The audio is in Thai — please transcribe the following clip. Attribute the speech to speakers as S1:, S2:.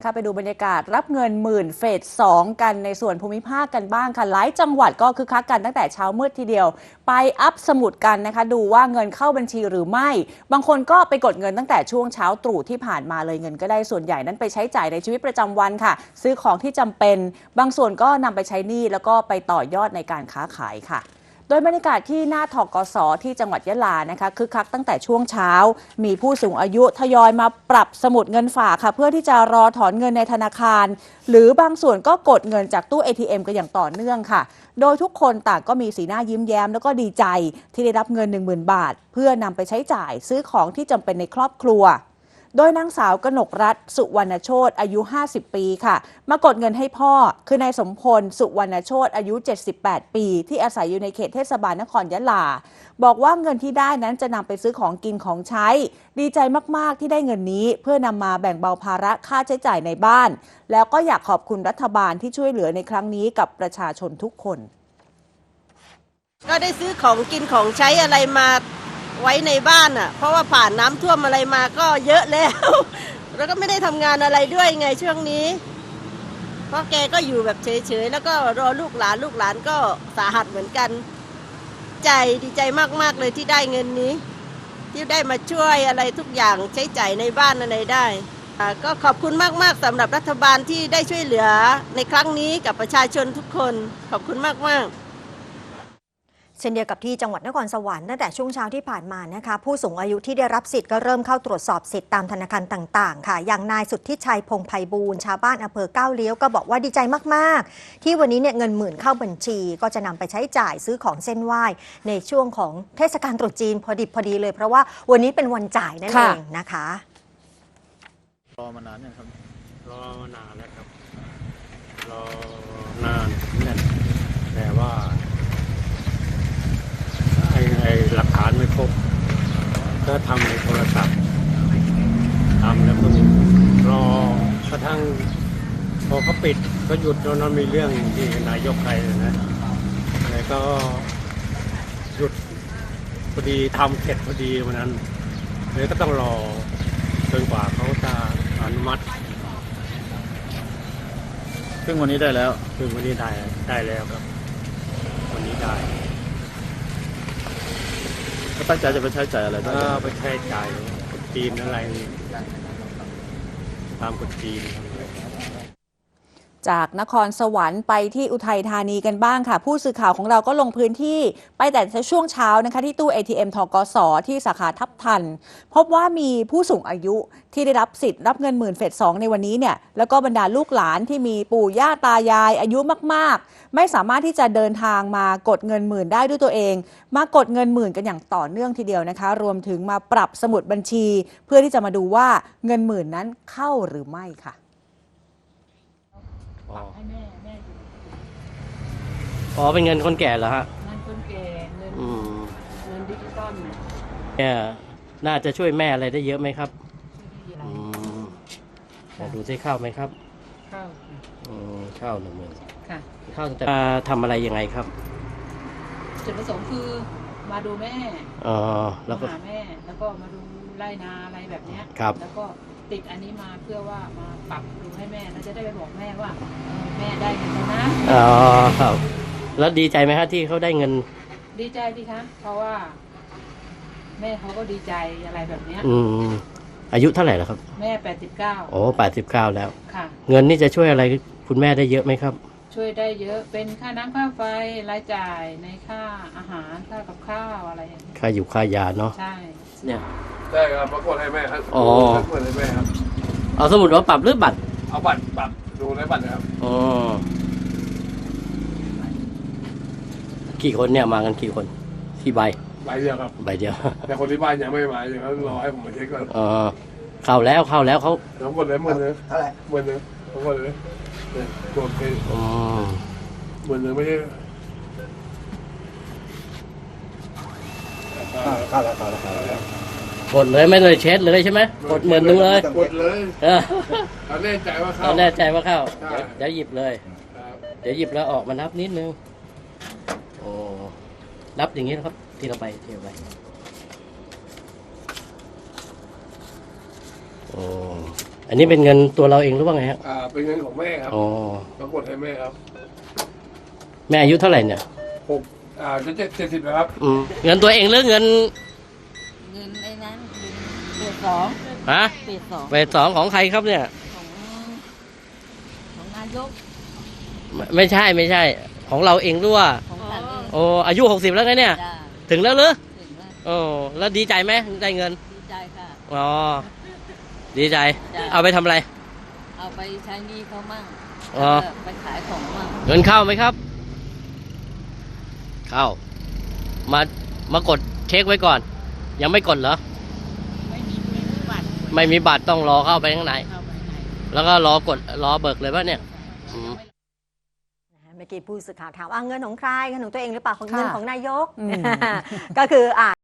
S1: ค่ะไปดูบรรยากาศรับเงินหมื่นเฟส2กันในส่วนภูมิภาคกันบ้างค่ะหลายจังหวัดก็คึกคักกันตั้งแต่เช้ามืดทีเดียวไปอัพสมุดกันนะคะดูว่าเงินเข้าบัญชีหรือไม่บางคนก็ไปกดเงินตั้งแต่ช่วงเช้าตรู่ที่ผ่านมาเลยเงินก็ได้ส่วนใหญ่นั้นไปใช้จ่ายในชีวิตประจำวันค่ะซื้อของที่จำเป็นบางส่วนก็นำไปใช้หนี้แล้วก็ไปต่อยอดในการค้าขายค่ะโดยบรรยากาศที่หน้าธกส.ที่จังหวัดยะลานะคะคึกคักตั้งแต่ช่วงเช้ามีผู้สูงอายุทยอยมาปรับสมุดเงินฝากค่ะเพื่อที่จะรอถอนเงินในธนาคารหรือบางส่วนก็กดเงินจากตู้ ATM กันอย่างต่อเนื่องค่ะโดยทุกคนต่างก็มีสีหน้ายิ้มแย้มแล้วก็ดีใจที่ได้รับเงิน 10,000 บาทเพื่อนำไปใช้จ่ายซื้อของที่จำเป็นในครอบครัวโดยนางสาวกนกรัตน์สุวรรณโชติอายุ50 ปีค่ะมากดเงินให้พ่อคือนายสมพลสุวรรณโชติอายุ78 ปีที่อาศัยอยู่ในเขตเทศบาลนครยะลาบอกว่าเงินที่ได้นั้นจะนำไปซื้อของกินของใช้ดีใจมากๆที่ได้เงินนี้เพื่อนำมาแบ่งเบาภาระค่าใช้จ่ายในบ้านแล้วก็อยากขอบคุณรัฐบาลที่ช่วยเหลือในครั้งนี้กับประชาชนทุกคน
S2: ก็ได้ซื้อของกินของใช้อะไรมาไว้ในบ้านอ่ะเพราะว่าผ่านน้ำท่วมอะไรมาก็เยอะแล้วแล้วก็ไม่ได้ทำงานอะไรด้วยไงช่วงนี้เพราะแกก็อยู่แบบเฉยๆแล้วก็รอลูกหลานก็สาหัสเหมือนกันดีใจมากๆเลยที่ได้เงินนี้ที่ได้มาช่วยอะไรทุกอย่างใช้จ่ายในบ้านอะไรได้ก็ขอบคุณมากๆสำหรับรัฐบาลที่ได้ช่วยเหลือในครั้งนี้กับประชาชนทุกคนขอบคุณมากๆ
S3: เช่นเดียวกับที่จังหวัดนครสวรรค์ตั้งแต่ช่วงเช้าที่ผ่านมานะคะผู้สูงอายุที่ได้รับสิทธิ์ก็เริ่มเข้าตรวจสอบสิทธิ์ตามธนาคารต่างๆค่ะอย่างนายสุทธิชัยพงษ์ไพบูลย์ชาวบ้านอำเภอก้าวเลี้ยวก็บอกว่าดีใจมากๆที่วันนี้เนี่ยเงิน10,000เข้าบัญชีก็จะนำไปใช้จ่ายซื้อของเส้นไหว้ในช่วงของเทศกาลตรุษจีนพอดีเลยเพราะว่าวันนี้เป็นวันจ่ายนั่นเองนะคะ
S4: รอมานานยังครับ
S5: รอมานานแล้วครับรอนานนั่นแต่ว่าไอ้หลักฐานไม่ครบก็ทำในโทรศัพท์ทำแล้วก็รอกระทั่งพอเขาปิดก็หยุดแล้วนั้นมีเรื่องที่นายกใครนะแล้วก็หยุดพอดีทำเสร็จพอดีวันนั้นเลยก็ต้องรอจนกว่าเขาจะอนุมัติ
S4: ซึ่งวันนี้ได้แล้ว
S5: ซึ่งวันนี้ได้แล้วครับวันนี้ได้
S4: ก็ตั้งใจจะไปใช้จ่ายอะไรบ้าง
S5: ไปใช้จ่ายกฎจีนอะไรตามกฎจีน
S1: จากนครสวรรค์ไปที่อุทัยธานีกันบ้างค่ะผู้สื่อข่าวของเราก็ลงพื้นที่ไปแต่ช่วงเช้านะคะที่ตู้ ATM ธกส.ที่สาขาทับทันพบว่ามีผู้สูงอายุที่ได้รับสิทธิ์รับเงิน10,000เฟส2ในวันนี้เนี่ยแล้วก็บรรดาลูกหลานที่มีปู่ย่าตายายอายุมากๆไม่สามารถที่จะเดินทางมากดเงิน10,000ได้ด้วยตัวเองมากดเงิน10,000กันอย่างต่อเนื่องทีเดียวนะคะรวมถึงมาปรับสมุดบัญชีเพื่อที่จะมาดูว่าเงิน10,000นั้นเข้าหรือไม่ค่ะ
S6: ให้แม่อยู่
S5: อ๋อเป็นเงินคนแก่เหรอฮะ
S6: เงินคนแก่เงินดิจิตอล
S5: เนี่ยน่าจะช่วยแม่อะไรได้เยอะไหมครับดูได้เข้าไหมครับ
S6: เข้า
S5: เข้า10,000
S6: ค่ะ
S5: เข้าแต่ทำอะไรยังไงครับ
S6: จุดประสงค์คือมาดูแม่
S5: แล้วก็
S6: หาแม่แล้วก็มาดูไร่นาอะไรแบบนี้แล้วก็ติดอันนี้มาเพื่อว่ามาปรับดูให้แม่แล้วจะได้ไปบอกแม่ว่าแม่ได้เงินแล้วนะ
S5: ครับแล้วดีใจไหมครับที่เขาได้เงิน
S6: ดีใจดีคะเพราะว่าแม่เขาก็ดีใจอะไรแบบนี้
S5: อายุเท่าไหร่แล้วครับ
S6: แม่89
S5: โอ้89แล้ว
S6: ค่ะ
S5: เงินนี่จะช่วยอะไรคุณแม่ได้เยอะไหมครับ
S6: ช่วยได้เยอะเป็นค่าน้ำค่าไฟรายจ่ายในค่าอาหารค่ากับข้าวอะไรอย่างนี้
S5: ค่าอยู่ค่ายาเนาะ
S6: ใช่
S5: เนี่ย
S7: ได้ครับมากดให้แม่ครับกดให้แม่ครับ
S5: เอาสมุดมาปรับหรือบัตร
S7: เอาบัตรปรับดูในบัตรนะครับ
S5: กี่คนเนี่ยมากันกี่คนที่ใบ
S7: เดียวครับ
S5: ใบเดียว
S7: แต่คนที่บ้านยังไม่มาอย่างนั้นรอให้ผมมาเช็คก่อน
S5: เข้าแล้วเขา
S7: ทั้งหมดเลย10,000เท่าไหร่10,000ทั้งหมดเลยโดนไป10,000ไม่ใช่
S4: เข้าแล้ว
S5: กดเลยไม่เลยเช็ดเลยใช่ไหมกด10,000เลย
S7: กดเลยเราแน่ใจว่าเข้า
S5: เดี๋ยวหยิบเลยเดี๋ยวหยิบแล้วออกมานับนิดนึงนับอย่างนี้นะครับที่เราไป
S8: อันนี้เป็นเงินตัวเราเองหรือว่าไงครับ
S7: เป็นเงินของแม่ครับ
S8: อ๋อ
S7: ปรากฏให้แม่ครับ
S8: แม่อายุเท่าไหร่เนี่ย
S7: จะ70แล้วครับ
S8: เงินตัวเองหรือเงิน
S6: เงินไอ้นั้นเฟสสอง
S8: ฮะ
S6: เฟสสอง
S8: เฟส 2ของใครครับเนี่ย
S6: ของนายก
S8: ไม่ใช่ ของเราเองด้วย
S6: ของฉันเอง
S8: โอ้อายุ60แล้วไงเนี่ย
S6: จ้า
S8: ถึงแล้วหรือ
S6: ถึงแล้ว
S8: โอ้แล้วดีใจไหมได้เงิน
S6: ดีใจค่ะ
S8: อ๋อดีใจ
S6: จ้ะ
S8: เอาไปทำอะไร
S6: เอาไปใช้หนี้เขามั่ง
S8: อ๋อ
S6: แล้วก็ไปขายของมั่ง
S8: เงินเข้าไหมครับ เข้ามากดเช็คไว้ก่อน ยังไม่กดเหรอ
S6: ไม่มีบัตร
S8: ไม่มีบัตรต้องรอเข้าไปข้างใน
S6: เข้าไปไหน
S8: แล้วก็รอเบิกเลยป่ะเนี่ยอืม
S3: เมื่อกี้ผู้สื่อข่าวถามเงินของใครเงินของตัวเองหรือเปล่าของเงิน
S1: ค่ะ
S3: ของนายก
S1: อืม
S3: ก็คือ